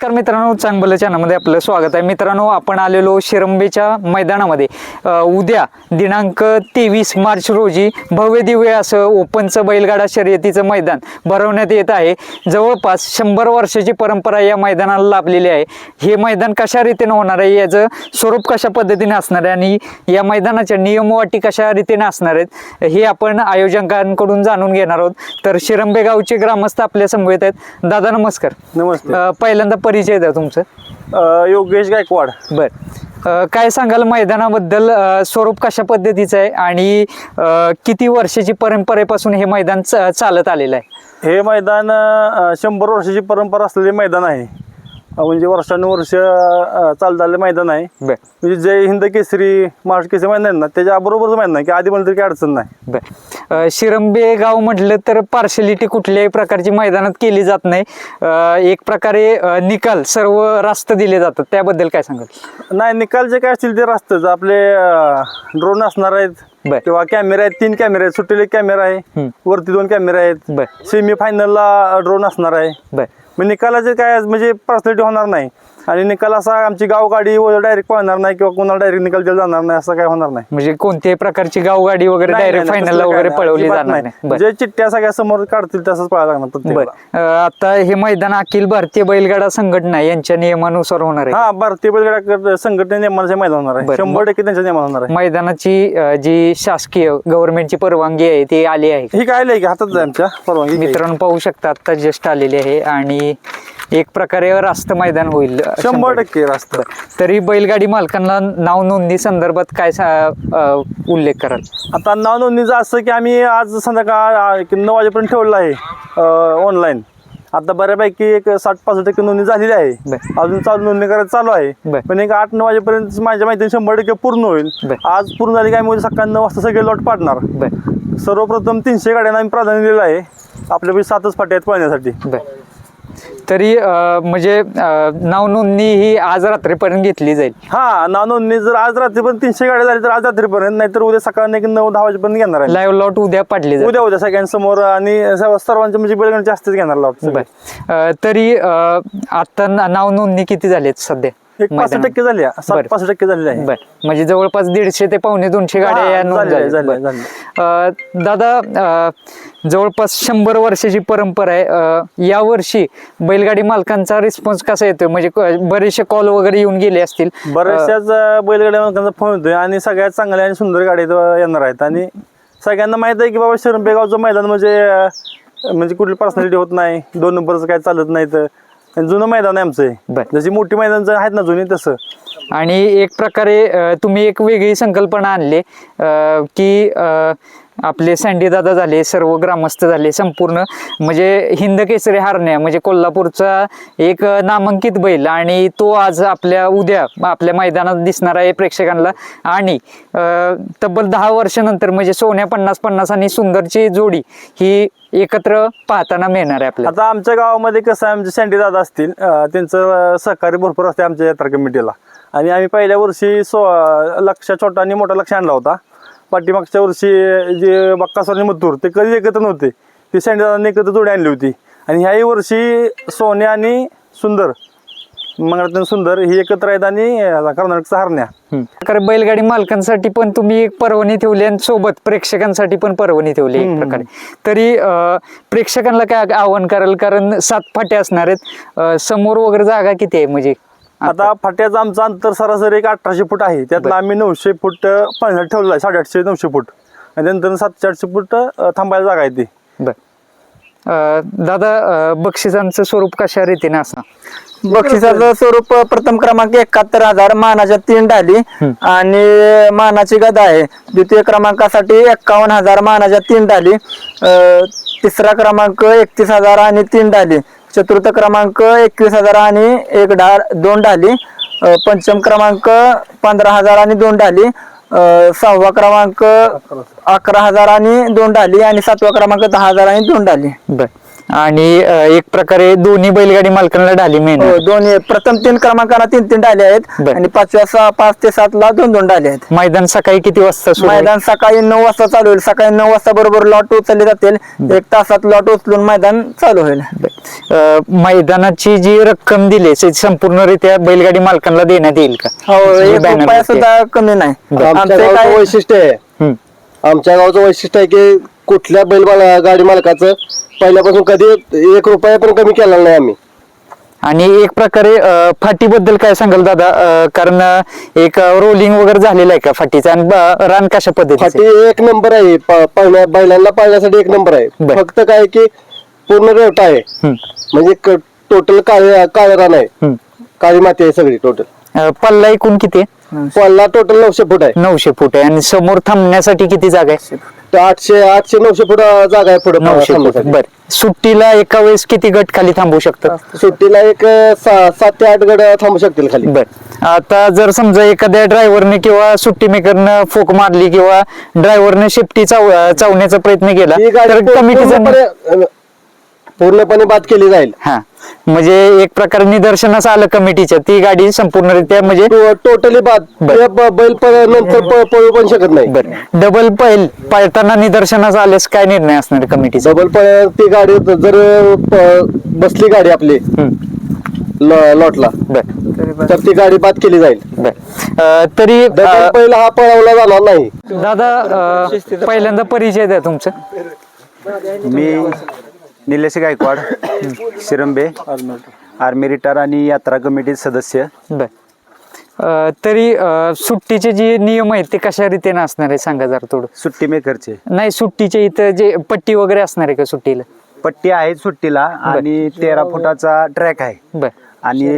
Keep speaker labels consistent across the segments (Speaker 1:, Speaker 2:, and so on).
Speaker 1: नमस्कार मित्रांनो, चांगलं चॅनलमध्ये आपलं स्वागत आहे. मित्रांनो, आपण आलेलो शिरंबेच्या मैदानामध्ये उद्या दिनांक 23 मार्च रोजी भव्य दिव्य असं ओपनचं बैलगाडा शर्यतीचं मैदान भरवण्यात येत आहे. जवळपास 100 वर्षाची परंपरा या मैदानाला लाभलेली आहे. हे मैदान कशा रीतीने होणार आहे, याचं स्वरूप कशा पद्धतीने असणार आहे आणि या मैदानाच्या नियमवाटी कशा रीतीने असणार आहेत हे आपण आयोजकांकडून जाणून घेणार आहोत. तर शिरंबे गावचे ग्रामस्थ आपल्या समवेत आहेत. दादा नमस्कार.
Speaker 2: नमस्ते.
Speaker 1: पहिल्यांदा परिचय द्या तुमचं.
Speaker 2: योगेश गायकवाड.
Speaker 1: बर, काय सांगाल मैदानाबद्दल? स्वरूप कशा पद्धतीचं आहे आणि किती वर्षाची परंपरेपासून हे मैदान चालत आलेलं आहे?
Speaker 2: हे मैदान 100 वर्षाची परंपरा असलेले मैदान आहे. म्हणजे वर्षानुवर्ष चालत आलेलं मैदान आहे.
Speaker 1: बर,
Speaker 2: म्हणजे जय हिंद केसरी, महाराष्ट्र केसरी मैदान आहे ना, त्याच्या बरोबरच मैदान आहे की आधी म्हणलं तरी काही अडचण नाही.
Speaker 1: बर, शिरंबे गाव म्हटलं तर पार्शलिटी कुठल्याही प्रकारची मैदानात केली जात नाही. एक प्रकारे निकाल सर्व रास्त दिले जातात, त्याबद्दल काय सांगाल?
Speaker 2: नाही, निकाल जे काय असतील ते रास्तच आपले ड्रोन असणार आहेत किंवा कॅमेरे आहेत. 3 कॅमेरे आहेत, सुट्टीला 1 कॅमेरा आहे, वरती 2 कॅमेरे आहेत.
Speaker 1: बर,
Speaker 2: सेमी फायनलला ड्रोन असणार आहे.
Speaker 1: बर,
Speaker 2: मग निकालाचे काय म्हणजे पर्सनॅलिटी होणार नाही आणि निकाल असा आमची गावगाडी डायरेक्ट पळणार नाही किंवा कोणाला डायरेक्ट निकाल दिला जाणार नाही, असं काय होणार नाही.
Speaker 1: म्हणजे कोणत्याही प्रकारची गावगाडी वगैरे डायरेक्ट फायनलला वगैरे पळवली जाणार नाही.
Speaker 2: जे चिठ्ठ्या सगळ्या समोर काढतील तसंच पळायला लागणार.
Speaker 1: बर, आता हे मैदान अखिल भारतीय बैलगाडा संघटना यांच्या नियमानुसार होणार आहे.
Speaker 2: हा, भारतीय बैलगाडा संघटने नियमानुसार मैदान होणार आहे. 100% त्यांच्या नियमानुसार होणार आहे.
Speaker 1: मैदानाची जी शासकीय गव्हर्नमेंटची परवानगी आहे ती आली आहे?
Speaker 2: ही काय आहे की हातात आहे आमच्या परवानगी.
Speaker 1: मित्रांनो पाहू शकता, आता जस्ट आलेली आहे आणि एक प्रकारे रास्त मैदान होईल
Speaker 2: 100% रास्त.
Speaker 1: तरी बैलगाडी मालकांना नाव नोंदणी संदर्भात काय उल्लेख कराल?
Speaker 2: आता नाव नोंदणीचं असं की आम्ही आज संध्याकाळ 9 वाजेपर्यंत ठेवलेलं आहे ऑनलाईन. आता बऱ्यापैकी एक 60-65% नोंदणी झालेली आहे. अजून नोंदणी करायचं चालू आहे, पण एक 8-9 वाजेपर्यंत माझ्या माहितीने 100% पूर्ण होईल. आज पूर्ण झाली काय म्हणजे सकाळी 9 वाजता सगळे लॉट पाडणार. सर्वप्रथम 300 गाड्यांना आम्ही प्राधान्य दिलेलं आहे. आपल्यापैकी 7च फाट्या आहेत पळण्यासाठी.
Speaker 1: तरी म्हणजे नाव नोंदणी ही आज रात्रीपर्यंत घेतली जाईल?
Speaker 2: हा, नाव नोंदणी जर आज रात्रीपर्यंत 300 गाड्या झाली तर आज रात्रीपर्यंत, नाहीतर उद्या सकाळी 9-10 वाजेपर्यंत घेणार आहे.
Speaker 1: लाईव्ह लॉट उद्या पाडली जाईल?
Speaker 2: उद्या सगळ्यांसमोर आणि सर्वांचे म्हणजे बैलगाडी जास्तच घेणार लॉट.
Speaker 1: तरी आता नाव नोंदणी किती झाली सध्या?
Speaker 2: 65% झाली, 65% झालेली आहे.
Speaker 1: म्हणजे जवळपास 150 ते 250 गाड्या नोंद. दादा, जवळपास 100 वर्षाची परंपरा आहे. यावर्षी बैलगाडी मालकांचा रिस्पॉन्स कसा येतोय? म्हणजे बरेचसे कॉल वगैरे येऊन गेले असतील.
Speaker 2: बऱ्याचशाच बैलगाडी मालकांचा फोन येतोय आणि सगळ्यात चांगल्या आणि सुंदर गाड्या येणार आहेत. आणि सगळ्यांना माहित आहे की बाबा शिरंबे गावचं मैदान म्हणजे कुठली पर्सनॅलिटी होत नाही, 2 नंबरचं काय चालत नाही. तर जुनं मैदान आहे आमचं, जशी मोठी मैदान आहेत ना जुनी तसं.
Speaker 1: आणि एक प्रकारे तुम्ही एक वेगळी संकल्पना आणली की आपले सँडी दादा झाले, सर्व ग्रामस्थ झाले, संपूर्ण म्हणजे हिंद केसरी हरण्या म्हणजे कोल्हापूरचा एक नामांकित बैल आणि तो आज उद्या आपल्या मैदानात दिसणार आहे प्रेक्षकांना. आणि तब्बल 10 वर्षानंतर म्हणजे सोन्या 50-50 आणि सुंदरची जोडी ही एकत्र पाहताना मिळणार आहे आपल्याला.
Speaker 2: आता आमच्या गावामध्ये कसं आहे, आमचे सँडी दादा असतील, त्यांचं सहकार्य भरपूर असते आमच्या यात्रा कमिटीला. आणि आम्ही पहिल्या वर्षी लक्ष छोटा आणि मोठा लक्ष आणला होता. पाठीमागच्या वर्षी जे बक्कासोर आणि मथुर ते कधी एकत्र नव्हते, ते सँडी दादांनी एकत्र जोडी आणली होती. आणि ह्याही वर्षी सोन्या आणि सुंदर, मंगळातून सुंदर ही एकत्र आहेत आणि कर्नाटकचा हरण्या.
Speaker 1: बैलगाडी मालकांसाठी पण तुम्ही एक पर्वणी ठेवली आणि सोबत प्रेक्षकांसाठी पण पर्वणी ठेवली एक प्रकारे. तरी प्रेक्षकांना काय आव्हान कराल? कारण 7 फाटे असणार आहेत, समोर वगैरे जागा किती आहे? म्हणजे
Speaker 2: आता फाट्याचं आमचं अंतर सरासरी 1800 फूट आहे. त्यातलं आम्ही 900 फूट पाण्यात ठेवलेलं आहे, 850-900 फूट. आणि त्यानंतर 700-800 फूट थांबायला जागा आहे ती.
Speaker 1: दादा, बक्षिसांचं स्वरूप कशा रीतीने असणार?
Speaker 3: बक्षिसाचं स्वरूप प्रथम क्रमांक 71,000 मानाच्या 3 डाली आणि मानाची गदा आहे. द्वितीय क्रमांकासाठी 51,000 मानाच्या 3 डाली. तिसरा क्रमांक 31,000 आणि 3 डाली. चतुर्थ क्रमांक 21,000 आणि 2 डाली. पंचम क्रमांक 15,000 आणि 2 डाली. 6वा क्रमांक 11,000 आणि 2 डाली आणि 7वा क्रमांक 10,000 आणि 2 डाली.
Speaker 1: आणि एक प्रकारे दोन्ही बैलगाडी मालकांना ढाली
Speaker 3: हो
Speaker 1: मिळणार.
Speaker 3: दोन्ही प्रथम 3 क्रमांकाला 3 डाले आहेत
Speaker 1: बर.
Speaker 3: आणि 5 ते 7 ला 2 डाले आहेत.
Speaker 1: मैदान सकाळी किती वाजता सुरू होईल?
Speaker 3: मैदान सकाळी 9 वाजता चालू होईल. सकाळी 9 वाजता बरोबर लॉट उचलले जातील. 1 तासात लॉट उचलून मैदान चालू होईल.
Speaker 1: मैदानाची जी रक्कम दिली ती संपूर्णरित्या बैलगाडी मालकांना देण्यात येईल का?
Speaker 3: हो
Speaker 1: जी
Speaker 3: 1
Speaker 1: banner
Speaker 3: रुपया
Speaker 1: वरती
Speaker 3: सुद्धा कमी नाही.
Speaker 4: आमच्या
Speaker 3: आमचे
Speaker 4: गावचं
Speaker 3: काय
Speaker 4: वैशिष्ट्य आहे
Speaker 1: हम्म.
Speaker 4: आमच्या गावचं वैशिष्ट्य आहे की कुठल्या गाडी मालकाचं पहिल्यापासून कधी 1 रुपया पण कमी केला नाही आम्ही.
Speaker 1: आणि एक प्रकारे फाटीबद्दल काय सांगाल दादा? कारण एक रोलिंग वगैरे झालेलं आहे का फाटीचं? आणि रान कशा पद्धतीचं
Speaker 4: फाटी 1 नंबर आहे. बैलांना पाळण्यासाठी 1 नंबर आहे.
Speaker 1: बर.
Speaker 4: फक्त काय की पूर्ण रेवटा आहे. म्हणजे टोटल काळे रान आहे.
Speaker 1: हम्म.
Speaker 4: काळी माती आहे सगळी टोटल.
Speaker 1: पल्ला एकूण किती आहे?
Speaker 4: पल्ला टोटल 900 फूट आहे.
Speaker 1: 900 फूट आहे. आणि समोर थांबण्यासाठी किती जागा आहे?
Speaker 4: तर 800-900 फूट जागा आहे पुढे
Speaker 1: 900 फूट. बर. सुट्टीला एका वेळेस किती गट खाली थांबू शकतात?
Speaker 4: सुट्टीला एक 7 ते 8 गड थांबू शकतील खाली.
Speaker 1: बर. आता जर समजा एखाद्या ड्रायव्हरने किंवा सुट्टी मेकरनं फोक मारली किंवा ड्रायव्हरने शिफ्टी चावण्याचा प्रयत्न केला
Speaker 4: ही गाडी
Speaker 1: तर कमिटीचं
Speaker 4: पूर्णपणे बाद केली जाईल.
Speaker 1: हा म्हणजे एक प्रकारे निदर्शनास आलं कमिटीच्या ती गाडी संपूर्णरित्या म्हणजे
Speaker 4: टोटली बाद. ते बैल नंतर पळू पण शकत नाही.
Speaker 1: बर. डबल पळताना निदर्शनास आल्यास काय निर्णय असणार आहे कमिटीचा?
Speaker 4: डबल ती गाडी जर बसली गाडी आपली लॉटला
Speaker 1: बर.
Speaker 4: तर ती गाडी बाद केली जाईल.
Speaker 1: बर. तरी
Speaker 4: डबल बैल हा पळवला जाणार नाही.
Speaker 1: दादा पहिल्यांदा परिचय द्या तुमचा.
Speaker 5: मी निलेश गायकवाड, शिरंबे, आर्मी रिटायर आणि यात्रा कमिटी सदस्य.
Speaker 1: बर. तरी सुट्टीचे जे नियम आहेत ते कशा रीतीने असणार आहे सांगा जरा थोडं.
Speaker 5: सुट्टी मेकरचे
Speaker 1: नाही सुट्टीचे इथं जे पट्टी वगैरे असणार आहे का सुट्टीला?
Speaker 5: पट्टी आहे सुट्टीला आणि 13 फुटाचा ट्रॅक आहे
Speaker 1: बर.
Speaker 5: आणि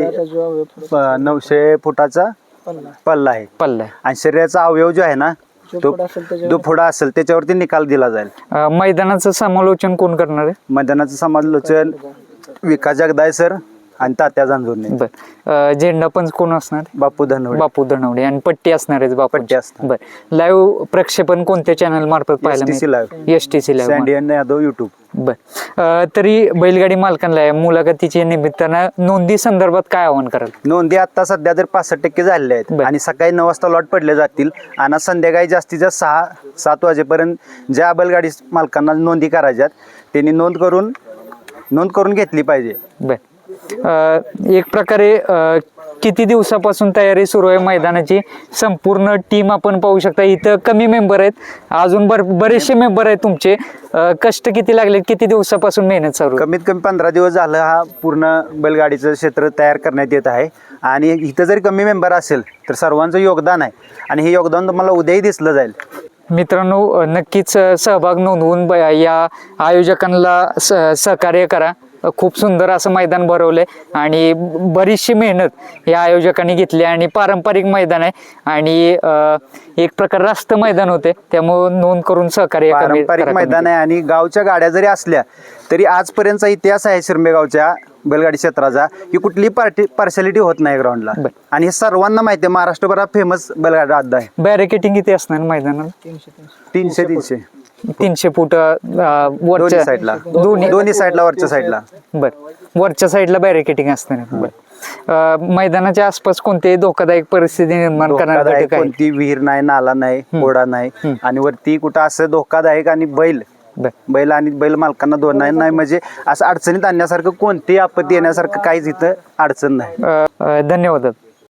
Speaker 5: 900 फुटाचा पल्ला आहे.
Speaker 1: पल्ला आहे.
Speaker 5: आणि शरीराचा अवयव जो आहे ना तो जो पुढा असेल त्याच्यावरती निकाल दिला जाईल.
Speaker 1: मैदानाचं समालोचन कोण करणार आहे?
Speaker 5: मैदानाचं समालोचन विकास जगदाय सर आणि तात्या जांजूरने.
Speaker 1: बर. झेंडा पंच कोण असणार?
Speaker 5: बापू धनवडे.
Speaker 1: बापू धनवडे. आणि पट्टी असणार आहे बापू.
Speaker 5: पट्टी असणार.
Speaker 1: बर. लाईव्ह प्रक्षेपण कोणत्या चॅनल मार्फत पाहायला
Speaker 5: STC live.
Speaker 1: STC live.
Speaker 5: सँडियन यादव युट्यूब.
Speaker 1: बर. तरी बैलगाडी मालकांना या मुलाखतीच्या निमित्तानं नोंदी संदर्भात काय आवाहन कराल?
Speaker 5: नोंदी आता सध्या तर 65% झालेल्या आहेत
Speaker 1: बर.
Speaker 5: आणि सकाळी 9 वाजता लॉट पडले जातील आणि संध्याकाळी जास्तीत जास्त 6-7 वाजेपर्यंत ज्या बैलगाडी मालकांना नोंदी करायच्यात त्यांनी नोंद करून घेतली पाहिजे.
Speaker 1: बर. एक प्रकारे किती दिवसापासून तयारी सुरू आहे मैदानाची? संपूर्ण टीम आपण पाहू शकता इथं कमी मेंबर आहेत, अजून बरेचसे मेंबर आहेत तुमचे. कष्ट किती लागले? किती दिवसापासून मेहनत चालू आहे?
Speaker 5: कमीत कमी 15 दिवस झालं हा पूर्ण बैलगाडीचं क्षेत्र तयार करण्यात येत आहे आणि इथं जरी कमी मेंबर असेल तर सर्वांचं योगदान आहे आणि हे योगदान तुम्हाला उद्याही दिसलं जाईल.
Speaker 1: मित्रांनो नक्कीच सहभाग नोंदवून या आयोजकांना सहकार्य करा. खूप सुंदर असं मैदान भरवलंय आणि बरीचशी मेहनत या आयोजकांनी घेतली आणि पारंपरिक मैदान आहे आणि एक प्रकार रास्त मैदान होते त्यामुळे नोंद करून सहकार्य
Speaker 5: पारंपरिक मैदान आहे आणि गावच्या गाड्या जरी असल्या तरी आजपर्यंतचा इतिहास आहे शिरंबे गावच्या बैलगाडी क्षेत्राचा की कुठली पार्शालिटी होत नाही ग्राउंडला आणि हे सर्वांना माहिती आहे. महाराष्ट्रभरात फेमस बैलगाडी अड्डा आहे.
Speaker 1: बॅरिकेटिंग किती असणार मैदानाला? 300 फूट वरच्या
Speaker 5: साईडला दोन्ही साईडला वरच्या साईडला.
Speaker 1: बर. वरच्या साईडला बॅरिकेटिंग असणार. बर. मैदानाच्या आसपास कोणतेही धोकादायक परिस्थिती निर्माण करणार
Speaker 5: धोकादायक कोणती विहीर नाही, नाला नाही, ओढा नाही आणि वरती कुठं असं धोकादायक आणि बैल आणि बैल मालकांना दोन नाही म्हणजे असं अडचणीत आणण्यासारखं कोणतीही आपत्ती येण्यासारखं काहीच इथं अडचण नाही.
Speaker 1: धन्यवाद.